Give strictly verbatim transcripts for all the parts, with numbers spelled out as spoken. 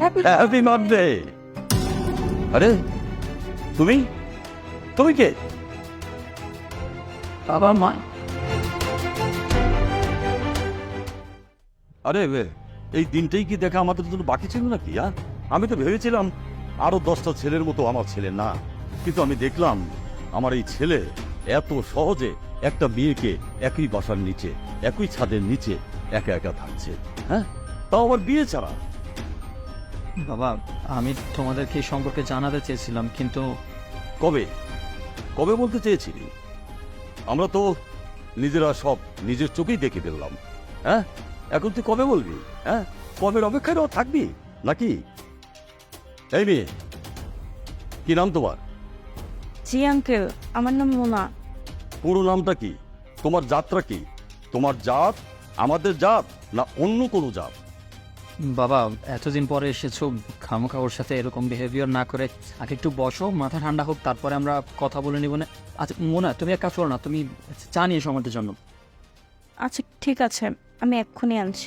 Happy birthday. আরে তুমি তুমি কে? বাবা মা। আরে এই দিনটাই কি দেখা আমাদের জন্য বাকি ছিল নাকি? হ্যাঁ, আমি তো ভেবেছিলাম আরো দশটা ছেলের মতো আমার ছেলে না, কিন্তু আমি দেখলাম আমার এই ছেলে এত সহজে একটা মেয়েকে একই বাসার নিচে একই ছাদের নিচে একা একা থাকছে। হ্যাঁ, তাও আবার বিয়ে ছাড়া। বাবা আমি তোমাদেরকে এই সম্পর্কে জানাতে চেয়েছিলাম, কিন্তু কবে কবে বলতে চেয়েছিলি? আমরা তো নিজেরা সব নিজের চোখেই দেখে ফেললাম। হ্যাঁ, এখন তুই কবে বলবি? হ্যাঁ, কবের অপেক্ষায় থাকবি নাকি? এই মেয়ে, কি নাম তোমার? জি আঙ্কেল, আমার নাম মোনা। পুরো নামটা কি? তোমার জাতটা কি? তোমার জাত আমাদের জাত না অন্য কোনো জাত? বাবা এতদিন পরে এসেছো, খামোখা ওর সাথে এরকম বিহেভিয়ার না করে আগে একটু বসো, মাথা ঠান্ডা হোক, তারপরে আমরা কথা বলে নিব না। আচ্ছা মোনা, তুমি এক কাজ করো না, তুমি চা নিয়ে এসো আমাদের জন্য। আচ্ছা ঠিক আছে, আমি এক্ষুনি আনছি।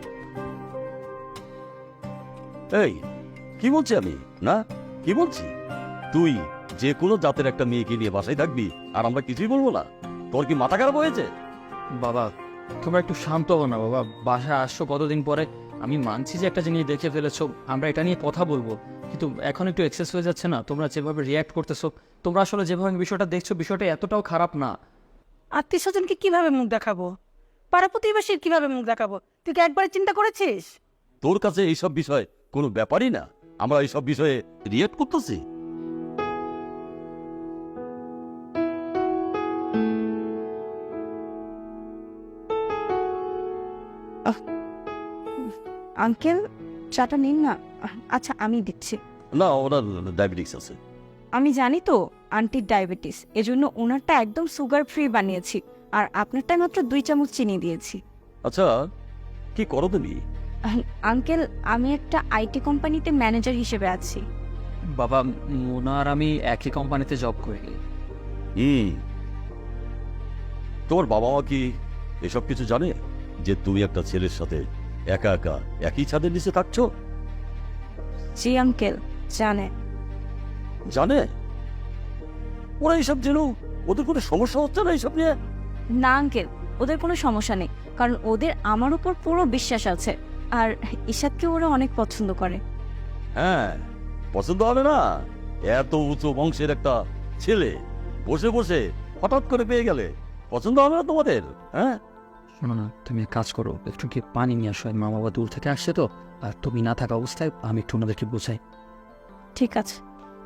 এই কি বলছি আমি? না, কি বলছি? তুই যে কোনো জাতের একটা মেয়েকে নিয়ে বাসায় থাকবি আর আমরা কিছুই বলবো না? তোর কি মাথা খারাপ হয়েছে? বাবা তোমরা একটু শান্ত হও না বাবা, বাসায় আসছো কতদিন পরে। আমি মানছি যে একটা জিনিস দেখে ফেলেছো, আমরা এটা নিয়ে কথা বলবো, কিন্তু এখন একটু এক্সেস হয়ে যাচ্ছে না? তোমরা যেভাবে রিয়্যাক্ট করতেছো, তোমরা আসলে যেভাবে বিষয়টা দেখছো, বিষয়টা এতটাও খারাপ না। আত্মীয় স্বজনকে কিভাবে মুখ দেখাবো, পাড়া প্রতিবেশীর কিভাবে মুখ দেখাবো, তুই কি একবার চিন্তা করেছিস? তোর কাছে এইসব বিষয় কোনো ব্যাপারই না, আমরা এইসব বিষয়ে রিয়েক্ট করতেছি। আঙ্কেল চাটা নিন না। আচ্ছা আমি দিচ্ছি। না, ওনার ডায়াবেটিস আছে। আমি জানি তো আন্টির ডায়াবেটিস, এজন্য ওনারটা একদম সুগার ফ্রি বানিয়েছি, আর আপনারটা মাত্র দুই চামচ চিনি দিয়েছি। আচ্ছা, কি করো তুমি? আহ, আঙ্কেল আমি একটা আইটি কোম্পানিতে ম্যানেজার হিসেবে আছি। বাবা মোনা আর আমি একই কোম্পানিতে জব করি। হুম, তোমার বাবা মা কি এসব কিছু জানে যে তুমি একটা ছেলের সাথে একা একা একই ছাদের নিচে থাকছো? জি আঙ্কেল জানে। জানে? ওরা এইসব জেনেও ওদের কোনো সমস্যা হচ্ছে না এইসব নিয়ে? না আঙ্কেল, ওদের কোনো সমস্যা নেই, কারণ ওদের আমার উপর পুরো বিশ্বাস আছে, আর ঈশাদকে ওরা অনেক পছন্দ করে। হ্যাঁ, পছন্দ হবে না? এত উঁচু বংশের একটা ছেলে বসে বসে হঠাৎ করে পেয়ে গেলে পছন্দ হবে না তোমাদের? হ্যাঁ, শোনো না, তুমি এক কাজ করো, একটু কি পানি নিয়ে আসো, মা বাবা দূর থেকে আসছে তো, আর তুমি না থাকা অবস্থায় আমি একটু ওনাদেরকে বোঝাই। ঠিক আছে।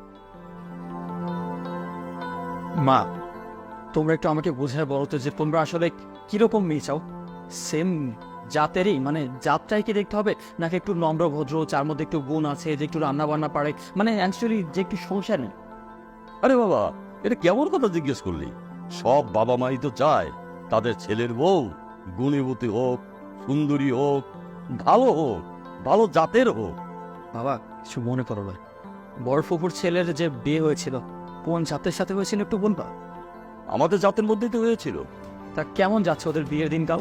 মা তোমরা একটু আমাকে বোঝায় বলো তো যে তোমরা আসলে কিরকম মেয়ে চাও? সেম জাতেরই, মানে জাতটাই কি দেখতে হবে, নাকি একটু নম্র ভদ্র, যার মধ্যে একটু গুণ আছে, যে একটু রান্না বান্না পারে, মানে অ্যাকচুয়ালি যে একটু সংসার নেই? আরে বাবা, এটা কেমন কথা জিজ্ঞেস করলি? সব বাবা মাই তো চায় তাদের ছেলের বউ গুণীবতী হোক, সুন্দরী হোক, ভালো হোক, ভালো জাতের হোক। বাবা কিছু মনে করো না, বড় ফুপুর ছেলের যে বিয়ে হয়েছিল কোন জাতের সাথে হয়েছিল একটু বলবা? আমাদের জাতের মধ্যেই তো হয়েছিল। তা কেমন যাচ্ছে ওদের বিয়ের দিনকাল?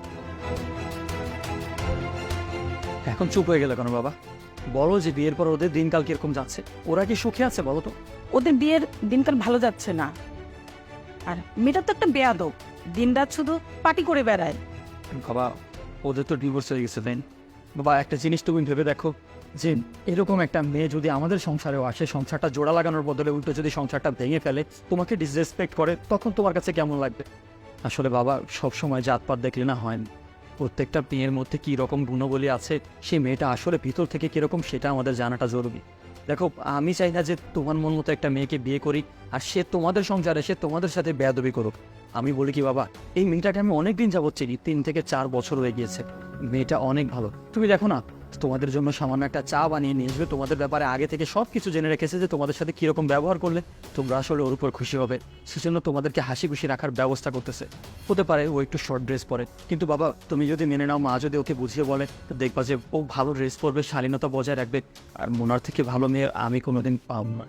এখন চুপ হয়ে গেল কেন বাবা? বলো যে বিয়ের পর ওদের দিনকাল কিরকম যাচ্ছে, ওরা কি সুখে আছে বলো তো? ওদের বিয়ের দিনকাল ভালো যাচ্ছে না, আর মেয়েটা তো একটা বেয়াদব, দিনরাত শুধু পার্টি করে বেড়ায়। বাবা ওদের তো ডিভোর্স হয়ে গেছে দেন। বাবা একটা জিনিস তুমি ভেবে দেখো, যে এরকম একটা মেয়ে যদি আমাদের সংসারেও আসে, সংসারটা জোড়া লাগানোর বদলে উল্টো যদি সংসারটা ভেঙে ফেলে, তোমাকে ডিসরেসপেক্ট করে, তখন তোমার কাছে কেমন লাগবে? আসলে বাবা সবসময় জাতপাত দেখলে না হয় না, প্রত্যেকটা মেয়ের মধ্যে কী রকম গুণবলী আছে, সেই মেয়েটা আসলে ভিতর থেকে কীরকম সেটা আমাদের জানাটা জরুরি। দেখো আমি চাই না যে তোমার মন মতো একটা মেয়েকে বিয়ে করি আর সে তোমাদের সংসারে সে তোমাদের সাথে বেয়াদবি করুক। আমি বলি কি বাবা, এই মেয়েটাকে আমি অনেক দিন যাবত চিনি, তিন থেকে চার বছর হয়ে গিয়েছে, মেয়েটা অনেক ভালো। তুমি দেখো না, তোমাদের জন্য সামান্য একটা চা বানিয়ে নিয়ে আসবে, তোমাদের ব্যাপারে আগে থেকে সব কিছু জেনে রেখেছে যে তোমাদের সাথে কীরকম ব্যবহার করলে তোমরা আসলে ওর উপর খুশি হবে, সেজন্য তোমাদেরকে হাসি খুশি রাখার ব্যবস্থা করতেছে। হতে পারে ও একটু শর্ট ড্রেস পরে, কিন্তু বাবা তুমি যদি মেনে নাও, মা যদি ওকে বুঝিয়ে বলে, তো দেখবা যে ও ভালো ড্রেস পরবে, শালীনতা বজায় রাখবে, আর মোনার থেকে ভালো মেয়ে আমি কোনোদিন পাব না।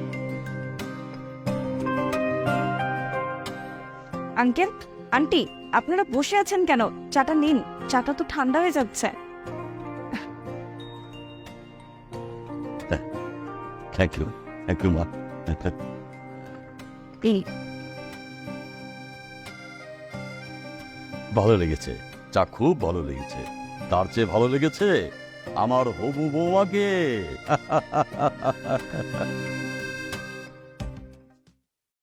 আঙ্কেল আন্টি আপনারা বসে আছেন কেন? চাটা নিন, চাটা তো ঠান্ডা হয়ে যাচ্ছে। থ্যাংক ইউ, থ্যাংক ইউ মা। এই ভালো লেগেছে, চা খুব ভালো লেগেছে। তার চেয়ে ভালো লেগেছে আমার হবু বৌমাকে।